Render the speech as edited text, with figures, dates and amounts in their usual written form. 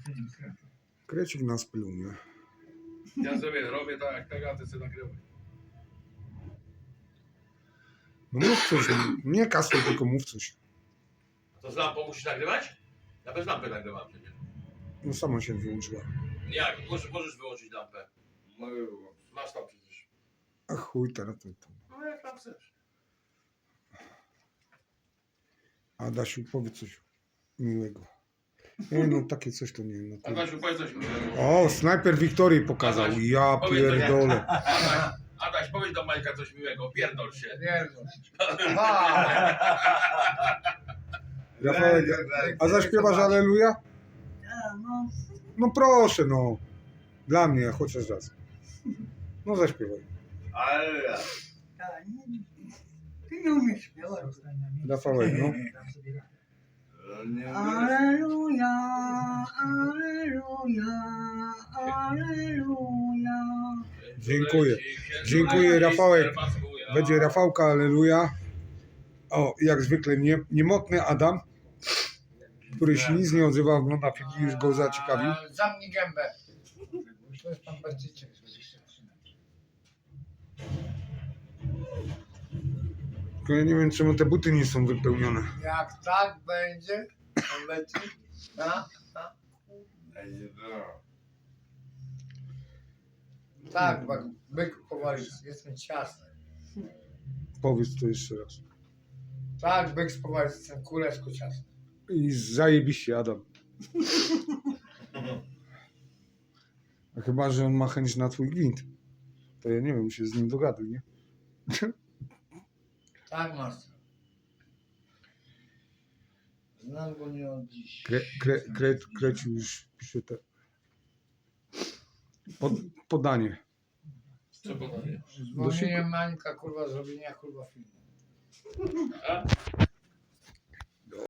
Krecik nas pluje. Ja sobie robię tak jak tego, a ty sobie nagrywaj. No mów coś, nie kasuj, tylko mów coś. To z lampą musisz nagrywać? Ja bez lampy nagrywam przecież. No sama się wyłączyła. Jak? Możesz wyłączyć lampę. Masz tam przecież. A chuj, teraz to. No jak tam chcesz. Adasiu, powiedz coś miłego. Nie no, takie coś to nie. No to... Adasiu, powiedz coś miłego. O, snajper Wiktorii pokazał. Adaś, Ja powiedz coś. pierdolę. Adaś, powiedz do Majka coś miłego. Pierdol się. Rafałek, a zaśpiewasz Alleluja? No, No proszę, no. Dla mnie, chociaż raz. No zaśpiewaj. Ale tak, ty nie umiesz śpiewać. Rafałek, no. Aleluja, aleluja, aleluja. Dziękuję. Dziękuję, Rafałek. Będzie Rafałka, Alleluja. O, jak zwykle niemotny Adam, który się nic nie odzywa, ogląda film i już go zaciekawił. Zamknij gębę. To jest pan Barczyciek. Tylko ja nie wiem, czemu te buty nie są wypełnione. Jak tak będzie, on leci. Tak, byk powoli, jestem ciasny. Powiedz to jeszcze raz. Tak, byk spowali, jestem kuleczko ciasny. I zajebiście, Adam. A chyba, że on ma chęć na twój gwint. To ja nie wiem, się z nim dogaduj, nie? Tak, master. Znam go nie od dziś. Kreci już pisze te... Podanie. Co podanie? Zwolnienie Mańka, kurwa, zrobienia, kurwa, filmu. A?